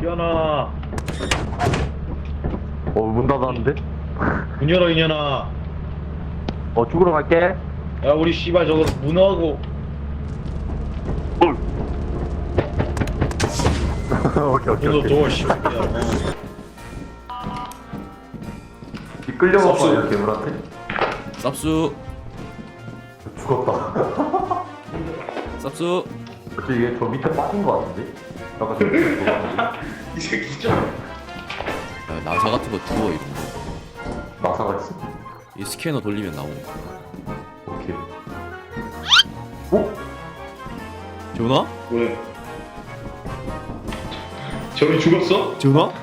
지현아, 문 닫았는데? 문 열어 이년아. 죽으러 갈게. 야 우리 씨발 저거 문어하고. 오케이. 문어 도어 씨발. 이 끌려가봐, 쌉수. 이렇게 괴물한테? 쌉수 죽었다. 쌉수. 어째 얘 저 밑에 빠진 거 같은데? 아까 저 밑에 그거 같은데? 이 새끼 좀. 야, 나사 같은 거 주워 이런 나사가 있어? 거이 스캐너 돌리면 나오니까. 오케이. 재훈아? 왜? 저기 죽었어? 재훈아?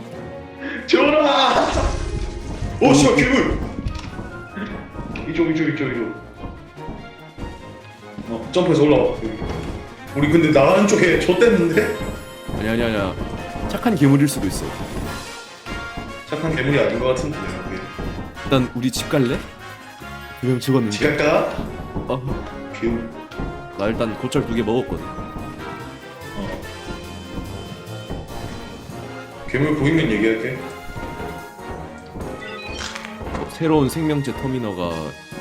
지현아! 오 씨발 괴물! 이쪽. 점프해서 올라와. 여기. 우리 근데 나가는 쪽에 좆됐는데? 아니야 착한 괴물일 수도 있어. 착한 괴물이 아닌 것 같은데. 일단 우리 집 갈래? 두 명 죽었는데. 집 갈까? 괴물. 나 일단 고철 2개 먹었거든. 괴물 보이면 얘기할게. 새로운 생명체 터미너가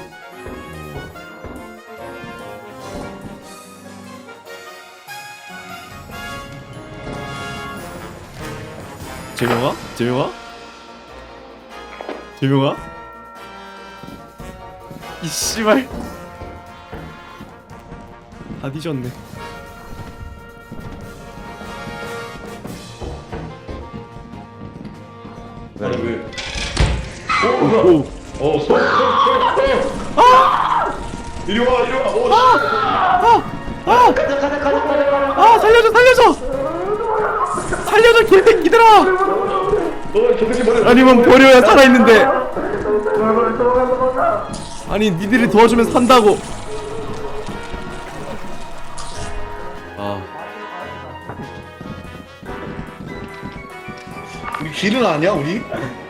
재명아? 이 씨발 다 뒤졌네. 아니 왜? 오. 소. 이리 와. 오. 아 살려줘 개새끼들아. 저 새끼 뭐야? 아니면 버려야 살아있는데. 아니 니들이 도와주면 산다고. 우리 길은 아니야 우리?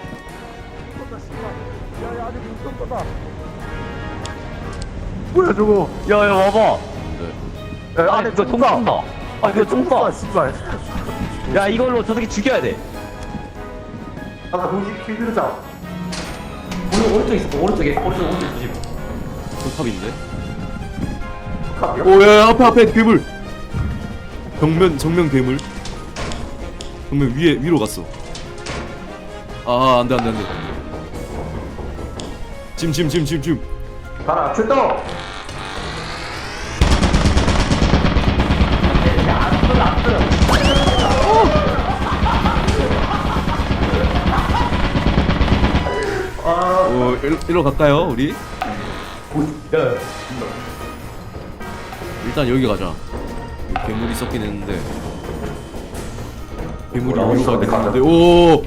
뭐야, 저거? 야, 와봐. 네. 야, 안에 이거 통과한다. 이거 통과. 씨발. 야 이걸로 저 새끼 죽여야 돼. 아까 동시 퀴즈자. 오른쪽 있어. 오른쪽 조심. 탑인데? 오야 앞에 괴물. 정면 괴물. 정면 위로 갔어. 안돼. 짐. 가라, 출동! 일로 갈까요 우리? 일단 여기 가자. 여기 괴물이 섞긴 했는데. 괴물이 위로 가긴 했는데. 오.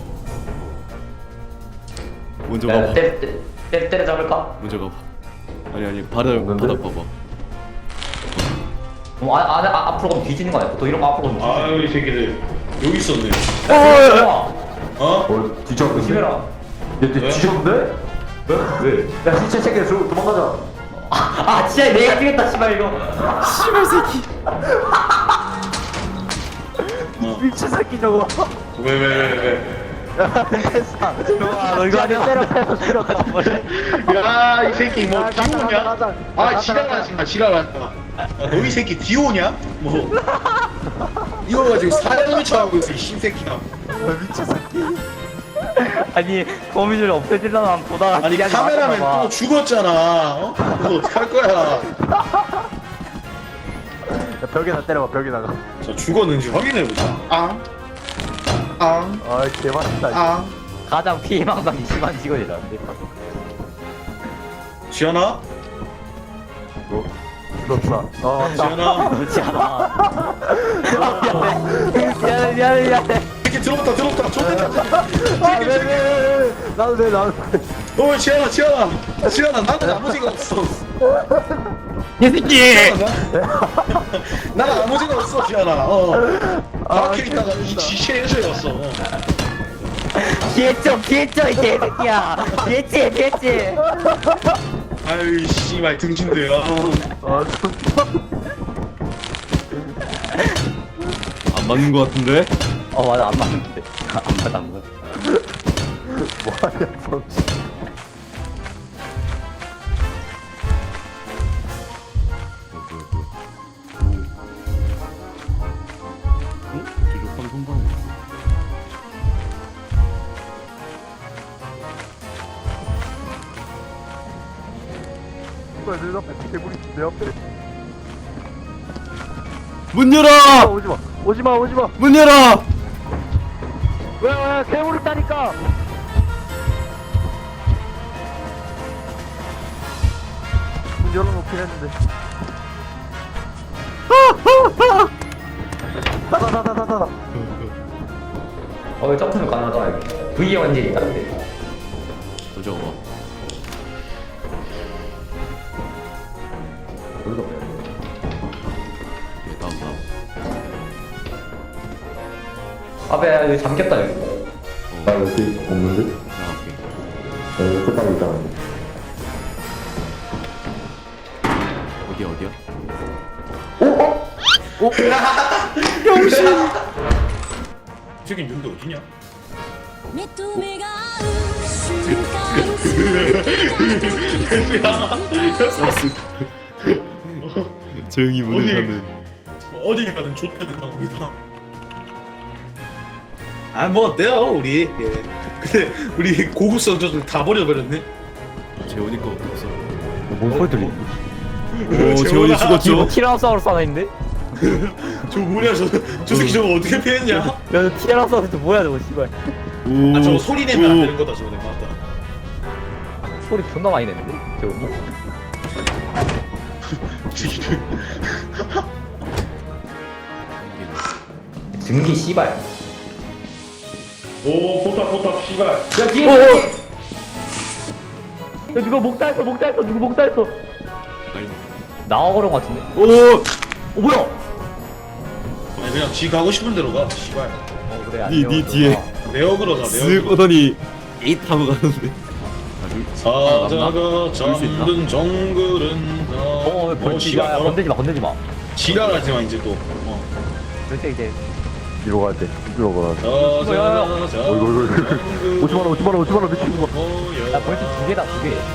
먼저 가봐. 때려잡을까? 먼저 가봐. 아니 바닥 봐봐. 앞으로 가면 뒤지는 거 아니야? 보통 이런 거 앞으로 가면 뒤지는 아유 이 새끼들 여기 있었네. 거야. 어? 뒤졌는데? 조심해라. 얘 뒤졌는데? 왜? 야, 시체 챙겨, 도망가자. 진짜 내가 죽였다 씨발 이거. 씨발 새끼. 미친 새끼 저거. 왜? 너 이거 아니야? 야이 새끼 뭐 디오냐? 지랄하지 마. 너 이 새끼 디오냐? 뭐 이거 지금 사장을 쳐하고 있어 이 신새끼야. 미친 새끼. 아니 거미줄 없애질라면 보다가 아니 카메라맨 또 죽었잖아. 어? 너 어떡할 거야? 벽에다 때려봐, 벽에다가. 자 죽었는지 확인해보자. 개맛있다. 가장 피해망상이 심한 직원이라는데. 지현아? 죽었다. 맞다. 지현아? 그렇지 않아. 미안해. 이렇게 들어갔다. 좋댔다. 나도 돼. 어 지현아 나는 아무 생각 없어. 이 새끼. 나는 아무 생각 없어 지현아. 바퀴 있다가 이 지시에 해줘였어. 피했죠 이 개새끼야. 피했지. 아유 씨발 등신대야. 안 맞는 거 같은데? 맞아 안 맞는데. 안 맞아 안 맞아. 뭐하냐 성치. 조족한 손방울. 뭐야 내 앞에 괴물이 내 앞에. 문 열어! 오지마 오지마 오지마. 문 열어! 왜 괴물 있다니까. 문 열어놓긴 했는데. 다다다다다다. 왜 점프는 가능하다. V의 완전히 있다는데. 저거 봐. 여기가 뭐야? 예, 다음. 야 여기 잠겼다 여기. 나 여기 없는데? 나갈게. 나 여기 끝나고 있잖아. 어디야? 이 새끼 윤도 어디냐? 目と目が合う瞬間 조용히 문을 어디? 닫는. 어디 가든 좋다는 겁니다. 아뭐 어때요 우리? 예. 근데 우리 고급스러운 저들 다 버려버렸네. 재원이 거 없어. 뭔 소리 들리? 오, 재원이 죽었죠? 티라노사우루스 하나 있는데? 저 뭐냐 저 새끼 저거 어떻게 피했냐? 야 티라노사우루스 뭐야 저거 씨발. 오. 아 저거 소리 내면 안 되는 거다 저거 내가 맞다. 소리 존나 많이 내는데? 저거. 증기 씨발. 오 포탑 씨발. 야 뒤에. 야 누가 목 달았어 누구 목 달았어. 나와 그런 거 같은데? 오! 뭐야? 아니 그냥 지 가고 싶은 대로 가. 씨발. 그래 니 뒤에 내역으로 가. 쓱 내역으로. 오더니 에잇 하고 가는데. 사자가 볼수 있나? 잠든 정글은 왜 벌칙이야? 씨발 건들지 마. 지랄하지 마 이제 또. 그렇지 이제. 뒤로 가야 돼. 뒤로 가야 돼. 사자가 어이구. 오지마라 미친놈아. 나 벌칙 두 개다 두 개.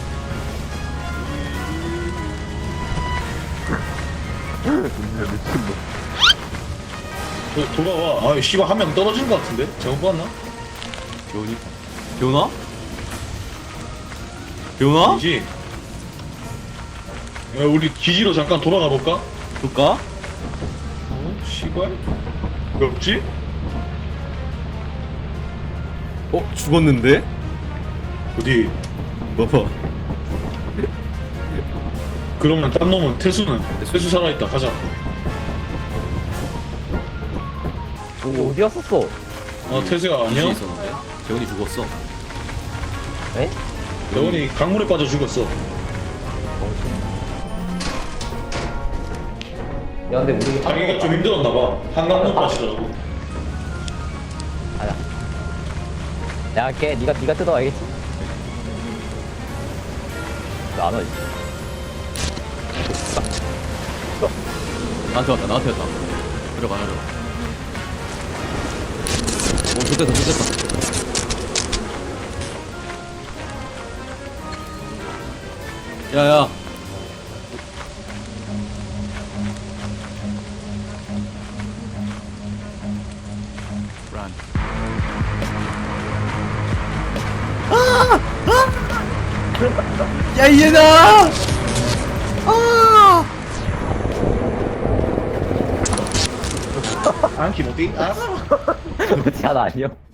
미친놈. 돌아와. 아 씨발 한 명 떨어진 것 같은데? 잘못 봤나? 재원이? 재원아? 재원아? 아니지. 야 우리 기지로 잠깐 돌아가 볼까? 볼까? 어? 씨발? 왜 없지? 죽었는데? 어디? 봐봐. 그러면 딴 놈은 태수는? 태수 살아있다. 가자. 어디 갔었어? 태수가 어디 아니야? 있었는데? 재원이 죽었어. 에? 대원이 강물에 빠져 죽었어. 야 근데 우리 자기가 좀 힘들었나봐. 한강물 빠지더라고. 아야. 내가 할게. 네가 뜯어 알겠지? 안 와. 나한테 왔다. 들어가. 오, 좋됐다. 야야. 야 얘나! 안키 어디? 아. 그렇지 하나 아니요?